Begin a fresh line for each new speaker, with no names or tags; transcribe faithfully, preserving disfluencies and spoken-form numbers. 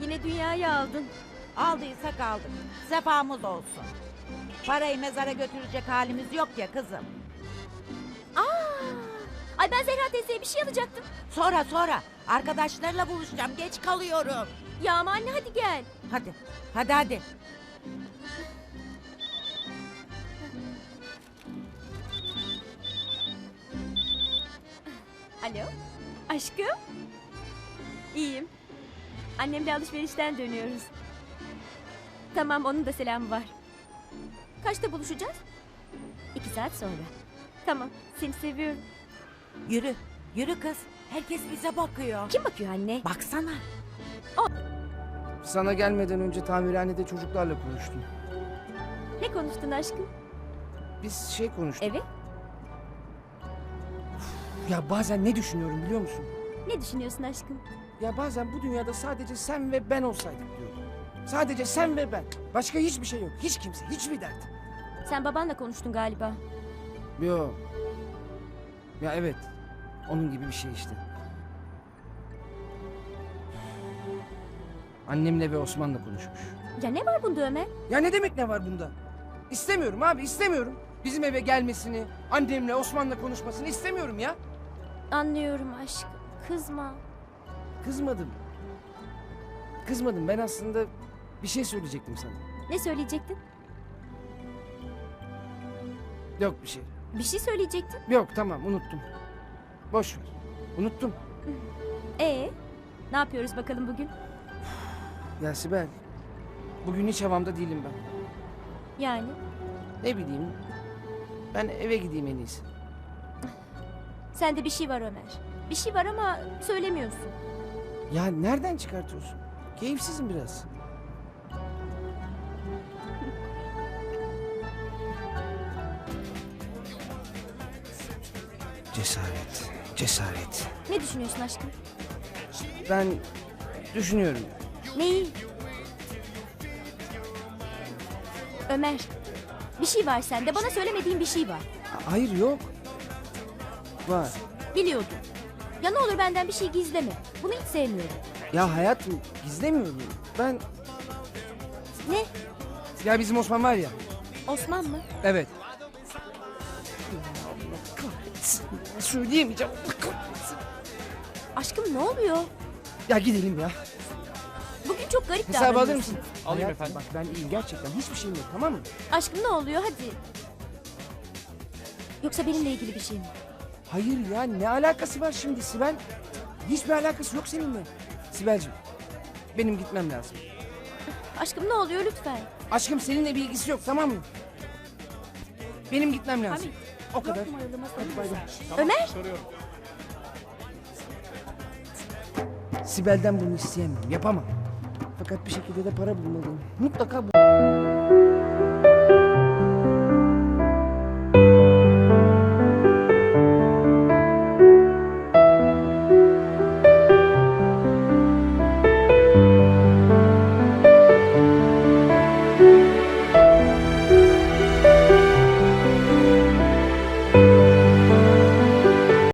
Yine dünyayı aldın.
Aldıysak aldık. Sefamız olsun. Parayı mezara götürecek halimiz yok ya kızım.
Aa! Ay ben Zehra teyzeye bir şey alacaktım.
Sonra sonra. Arkadaşlarla buluşacağım. Geç kalıyorum.
Ya ama anne hadi gel.
Hadi. Hadi hadi.
Alo. Aşkım. İyiyim. Annemle alışverişten dönüyoruz. Tamam, onun da selamı var. Kaçta buluşacağız? İki saat sonra. Tamam, seni seviyorum.
Yürü. Yürü kız. Herkes bize bakıyor.
Kim bakıyor anne?
Baksana.
Sana gelmeden önce tamirhanede çocuklarla konuştum.
Ne konuştun aşkım?
Biz şey konuştuk.
Evet.
Ya bazen ne düşünüyorum biliyor musun?
Ne düşünüyorsun aşkım?
Ya bazen bu dünyada sadece sen ve ben olsaydık diyorum. Sadece sen ve ben. Başka hiçbir şey yok. Hiç kimse, hiçbir dert.
Sen babanla konuştun galiba.
Yo. Ya evet. Onun gibi bir şey işte. Annemle ve Osman'la konuşmuş.
Ya ne var bunda Ömer?
Ya ne demek ne var bunda? İstemiyorum abi istemiyorum. Bizim eve gelmesini, annemle Osman'la konuşmasını istemiyorum ya.
Anlıyorum aşkım. Kızma.
Kızmadım. Kızmadım. Ben aslında bir şey söyleyecektim sana.
Ne söyleyecektin?
Yok bir şey.
Bir şey söyleyecektin.
Yok tamam unuttum. Boş ver. Unuttum.
Ee, ne yapıyoruz bakalım bugün?
Ya Sibel. Bugün hiç havamda değilim ben.
Yani
Ne bileyim. Ben eve gideyim en iyisi.
sende bir şey var Ömer. Bir şey var ama söylemiyorsun.
Ya nereden çıkartıyorsun? Keyifsizim biraz. Cesaret. Cesaret.
Ne düşünüyorsun aşkım?
Ben düşünüyorum.
Neyi? Ömer, bir şey var sende. Bana söylemediğin bir şey var.
Ha- Hayır yok. Var.
Biliyordum. Ya ne olur benden bir şey gizleme. Bunu hiç sevmiyorum.
Ya hayatım gizlemiyorum. Ben...
Ne?
Ya bizim Osman var ya.
Osman mı?
Evet. Allah kahretsin. Söyleyemeyeceğim. Allah kahretsin.
Aşkım ne oluyor?
Ya gidelim ya.
Bugün çok garip
Hesabı alır
davranıyorsun.
mısın?
Alayım
Hayatım,
efendim.
Bak ben iyiyim gerçekten. Hiçbir şeyim yok tamam mı?
Aşkım ne oluyor hadi. Yoksa benimle ilgili bir şey mi?
Hayır ya ne alakası var şimdi Sibel? Hiçbir alakası yok seninle. Sibel'ciğim benim gitmem lazım.
Aşkım ne oluyor lütfen.
Aşkım seninle bir ilgisi yok tamam mı? Benim gitmem lazım. O kadar. Hadi bay bay.
Ömer!
Sibel'den bunu isteyemem. Yapamam. Fakat bir şekilde de para bulmalıyım. Mutlaka bul.